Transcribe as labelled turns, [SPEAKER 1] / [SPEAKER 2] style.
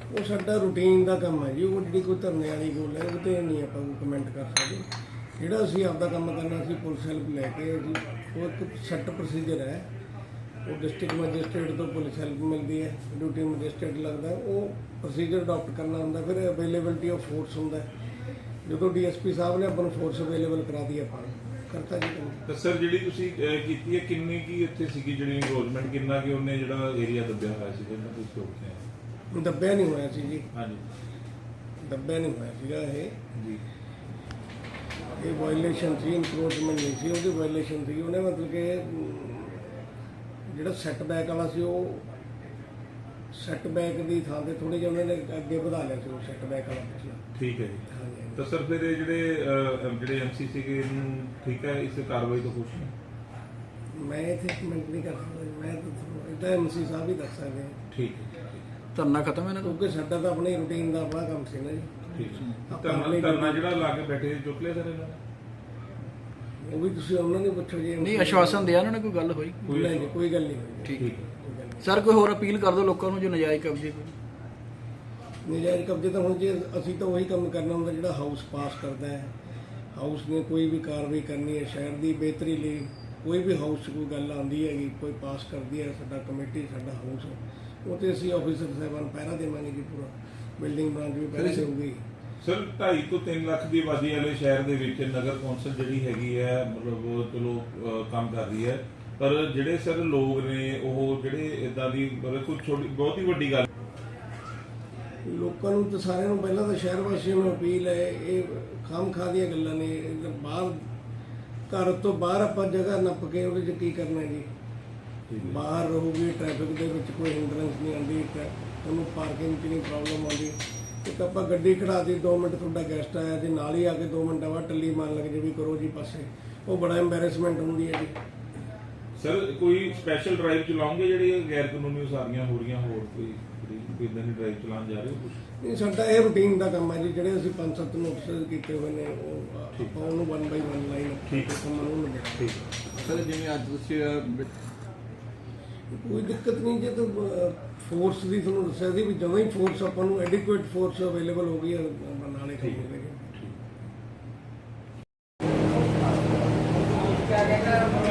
[SPEAKER 1] ਉਹ ਸਾਡਾ ਰੂਟੀਨ ਦਾ ਕੰਮ ਹੈ ਜੀ। ਉਹ ਜਿਹੜੀ ਕੋਈ ਧਰਨੇ ਵਾਲੀ ਗੱਲ ਹੈ ਉਹ 'ਤੇ ਨਹੀਂ ਆਪਾਂ ਕਮੈਂਟ ਕਰ ਸਕਦੇ। ਜਿਹੜਾ ਅਸੀਂ ਆਪਦਾ ਕੰਮ ਕਰਨਾ ਸੀ ਪੁਲਿਸ ਹੈਲਪ ਲੈ ਕੇ ਜੀ, ਉਹ ਇੱਕ ਸੈੱਟ ਪ੍ਰੋਸੀਜਰ ਹੈ। ਉਹ ਡਿਸਟ੍ਰਿਕਟ ਮੈਜਿਸਟਰੇਟ ਤੋਂ ਪੁਲਿਸ ਹੈਲਪ ਮਿਲਦੀ ਹੈ, ਡਿਊਟੀ ਮੈਜਿਸਟਰੇਟ ਲੱਗਦਾ, ਉਹ ਪ੍ਰੋਸੀਜਰ ਅਡਾਪਟ ਕਰਨਾ ਹੁੰਦਾ। ਫਿਰ ਅਵੇਲੇਬਿਲਿਟੀ ਆਫ ਫੋਰਸ ਹੁੰਦਾ। ਜਦੋਂ ਡੀਐਸਪੀ ਸਾਹਿਬ ਨੇ ਆਪਾਂ ਨੂੰ ਫੋਰਸ ਅਵੇਲੇਬਲ ਕਰਾ ਦੀ ਆਪਾਂ ਕਰਤਾ ਜੀ ਕੰਮ।
[SPEAKER 2] ਤਾਂ ਸਰ ਜਿਹੜੀ ਤੁਸੀਂ ਕੀਤੀ ਹੈ ਕਿੰਨੀ ਕੀ ਇੱਥੇ ਸੀਗੀ ਜਿਹੜੀ ਇਨਰੋਲਮੈਂਟ, ਕਿੰਨਾ ਕਿ ਉਹਨੇ ਜਿਹੜਾ ਏਰੀਆ ਦੱਬਿਆ ਹੋਇਆ ਸੀ ਜਿਹਨਾਂ ਤੁਸੀਂ ਸੋਚਦੇ
[SPEAKER 1] ਦੱਬਿਆ ਨਹੀਂ ਹੋਇਆ ਸੀ ਜੀ।
[SPEAKER 2] ਹਾਂਜੀ,
[SPEAKER 1] ਦੱਬਿਆ ਨਹੀਂ ਹੋਇਆ ਸੀਗਾ ਇਹ
[SPEAKER 2] ਜੀ
[SPEAKER 1] ਇਹ ਵਾਇਲੇਸ਼ਨ ਸੀ, ਇਨਕਰੋਚਮੈਂਟ ਨਹੀਂ ਸੀ, ਉਹਦੀ ਵਾਇਲੇਸ਼ਨ ਸੀ। ਉਹਨੇ ਮਤਲਬ ਕਿ ਜਿਹੜਾ ਸੈੱਟਬੈਕ ਵਾਲਾ ਸੀ ਉਹ ਸੈੱਟਬੈਕ ਦੀ ਥਾਂ ਤੇ ਥੋੜੇ ਜਿਹਾ ਉਹਨਾਂ ਨੇ ਅੱਗੇ ਵਧਾ ਲਿਆ ਸੀ ਉਹ ਸੈੱਟਬੈਕ ਵਾਲਾ ਪਿਛਲਾ।
[SPEAKER 2] ਠੀਕ ਹੈ ਜੀ।
[SPEAKER 1] ਹਾਂਜੀ
[SPEAKER 2] ਤਾਂ ਸਰ ਫਿਰ ਇਹ ਜਿਹੜੇ ਐਮਸੀ ਸੀਗੇ ਇਹਨੂੰ ਠੀਕ ਹੈ ਇਸ ਕਾਰਵਾਈ ਤੋਂ ਖੁਸ਼ ਨੇ?
[SPEAKER 1] ਮੈਂ ਇੱਥੇ ਕਮੈਂਟ ਨਹੀਂ ਕਰ ਸਕਦਾ, ਮੈਂ ਤਾਂ ਤੁਹਾਨੂੰ ਇੱਦਾਂ ਐਮਸੀ ਸਾਹਿਬ ਹੀ ਦੱਸ ਸਕਦੇ ਹਾਂ।
[SPEAKER 2] ਠੀਕ ਹੈ,
[SPEAKER 3] ਧਰਨਾ ਖਤਮ ਹੈ ਨਾ
[SPEAKER 1] ਕਿਉਂਕਿ ਸਾਡਾ ਤਾਂ ਆਪਣੇ ਰੂਟੀਨ ਦਾ ਆਪਣਾ ਕੰਮ ਸੀ ਨਾ ਜੀ।
[SPEAKER 2] ਠੀਕ ਹੈ। ਧਰਨਾ ਜਿਹੜਾ ਲਾ ਕੇ ਬੈਠੇ ਚੁੱਕ ਲਿਆ ਸਰ ਇਹਨਾਂ ਨੇ?
[SPEAKER 1] ਉਹ ਵੀ ਤੁਸੀਂ ਉਹਨਾਂ ਨੂੰ ਪੁੱਛੋ ਜੀ।
[SPEAKER 3] ਨਹੀਂ ਆਸ਼ਵਾਸਨ ਦਿਆ ਉਹਨਾਂ ਨੇ, ਕੋਈ ਗੱਲ ਹੋਈ?
[SPEAKER 1] ਨਹੀਂ, ਕੋਈ ਗੱਲ ਨਹੀਂ ਹੋਈ।
[SPEAKER 3] ਠੀਕ
[SPEAKER 2] ਠੀਕ
[SPEAKER 1] ਹੈ।
[SPEAKER 3] ਸਰ ਕੋਈ ਹੋਰ ਅਪੀਲ ਕਰ ਦਿਓ ਲੋਕਾਂ ਨੂੰ ਜੋ ਨਜਾਇਜ਼ ਕਬਜ਼ੇ
[SPEAKER 1] ਨਜਾਇਜ਼ ਕਬਜ਼ੇ ਤਾਂ ਹੁਣ ਜੇ ਅਸੀਂ ਤਾਂ ਉਹੀ ਕੰਮ ਕਰਨਾ ਹੁੰਦਾ ਜਿਹੜਾ ਹਾਊਸ ਪਾਸ ਕਰਦਾ ਹੈ। ਹਾਊਸ ਨੇ ਕੋਈ ਵੀ ਕਾਰਵਾਈ ਕਰਨੀ ਹੈ ਸ਼ਹਿਰ ਦੀ ਬਿਹਤਰੀ ਲਈ, ਕੋਈ ਵੀ ਹਾਊਸ 'ਚ ਕੋਈ ਗੱਲ ਆਉਂਦੀ ਹੈਗੀ, ਕੋਈ ਪਾਸ ਕਰਦੀ ਹੈ, ਸਾਡਾ ਕਮੇਟੀ ਸਾਡਾ ਹਾਊਸ, ਉਹ 'ਤੇ ਅਸੀਂ ਆਫੀਸਰ ਸਾਹਿਬਾਨ ਪਹਿਰਾ ਦੇਵਾਂਗੇ ਜੀ। ਪੂਰਾ ਬਿਲਡਿੰਗ ਬ੍ਰਾਂਚ ਵੀ ਪਹਿਰਾ ਦੇਊਗੀ।
[SPEAKER 2] ਸਰ 2.5 ਤੋਂ 3 ਲੱਖ ਦੀ ਆਬਾਦੀ ਵਾਲੇ ਸ਼ਹਿਰ ਦੇ ਵਿੱਚ ਨਗਰ ਕੌਂਸਲ ਜਿਹੜੀ ਹੈਗੀ ਹੈ ਮਤਲਬ ਚਲੋ ਕੰਮ ਕਰ ਰਹੀ ਹੈ, ਪਰ ਜਿਹੜੇ ਸਰ ਲੋਕ ਨੇ ਉਹ ਜਿਹੜੇ ਇਦਾਂ ਦੀ ਮਤਲਬ ਕੋਈ ਛੋਟੀ ਬਹੁਤ ਹੀ ਵੱਡੀ ਗੱਲ
[SPEAKER 1] ਲੋਕਾਂ ਨੂੰ ਤਾਂ ਸਾਰਿਆਂ ਨੂੰ ਪਹਿਲਾਂ ਤਾਂ ਸ਼ਹਿਰ ਵਾਸੀਆਂ ਨੂੰ ਅਪੀਲ ਹੈ, ਇਹ ਖਾਮਖਾਹ ਦੀਆਂ ਗੱਲਾਂ ਨੇ। ਬਾਹਰ ਘਰ ਤੋਂ ਬਾਹਰ ਆਪਾਂ ਜਗ੍ਹਾ ਨੱਪ ਕੇ ਉਹਦੇ 'ਚ ਕੀ ਕਰਨਾ ਜੀ। ਬਾਹਰ ਰਹੂਗੀ, ਟ੍ਰੈਫਿਕ ਦੇ ਵਿੱਚ ਕੋਈ ਹਿੰਡਰੈਂਸ ਨਹੀਂ ਆਉਂਦੀ, ਤੁਹਾਨੂੰ ਪਾਰਕਿੰਗ 'ਚ ਨਹੀਂ ਪ੍ਰੋਬਲਮ ਆਉਂਦੀ। ਇੱਕ ਆਪਾਂ ਗੱਡੀ ਖੜਾ ਦੀ 2 ਮਿੰਟ ਤੁਹਾਡਾ ਗੈਸਟ ਆਇਆ ਤੇ ਨਾਲ ਹੀ ਆ ਕੇ 2 ਮਿੰਟਾਂ ਬਾਅਦ ਟੱਲੀ ਮਾਰਨ ਲੱਗ ਜੇ ਵੀ ਕਰੋ ਜੀ ਪਾਸੇ, ਉਹ ਬੜਾ ਐਂਬੈਰੈਸਮੈਂਟ ਹੁੰਦੀ ਹੈ ਜੀ।
[SPEAKER 2] ਸਰ ਕੋਈ ਸਪੈਸ਼ਲ ਡਰਾਈਵ ਚਲਾਉਂਗੇ ਜਿਹੜੀਆਂ ਗੈਰ ਕਾਨੂੰਨੀ ਉਸਾਰੀਆਂ ਹੋ ਰਹੀਆਂ, ਹੋਰ ਕੋਈ ਇਦਾਂ ਦੀ ਡਰਾਈਵ ਚਲਾਉਣ ਜਾ ਰਹੇ ਹੋ ਕੁਝ?
[SPEAKER 1] ਨਹੀਂ, ਸਾਡਾ ਇਹ ਰੂਟੀਨ ਦਾ ਕੰਮ ਹੈ ਜੀ। ਜਿਹੜੇ ਅਸੀਂ 5-7 ਨੋਟਿਸ ਕੀਤੇ ਹੋਏ ਨੇ ਉਹ ਆਪਾਂ ਉਹਨੂੰ 1 ਬਾਈ 1 ਲਾਈਨ
[SPEAKER 2] ਠੀਕ ਹੈ
[SPEAKER 1] ਠੀਕ
[SPEAKER 3] ਸਰ ਜਿਵੇਂ ਅੱਜ ਤੁਸੀਂ
[SPEAKER 1] ਕੋਈ ਦਿੱਕਤ ਨਹੀਂ। ਜੇ ਤਾਂ ਫੋਰਸ ਦੀ ਤੁਹਾਨੂੰ ਦੱਸਿਆ ਸੀ ਵੀ ਜਦੋਂ ਹੀ ਫੋਰਸ ਆਪਾਂ ਨੂੰ ਐਡਿਕੁਏਟ ਫੋਰਸ ਅਵੇਲੇਬਲ ਹੋ ਗਈ ਹੈ ਨਾਲੇ ਕੰਮ ਹੋ ਗਏ।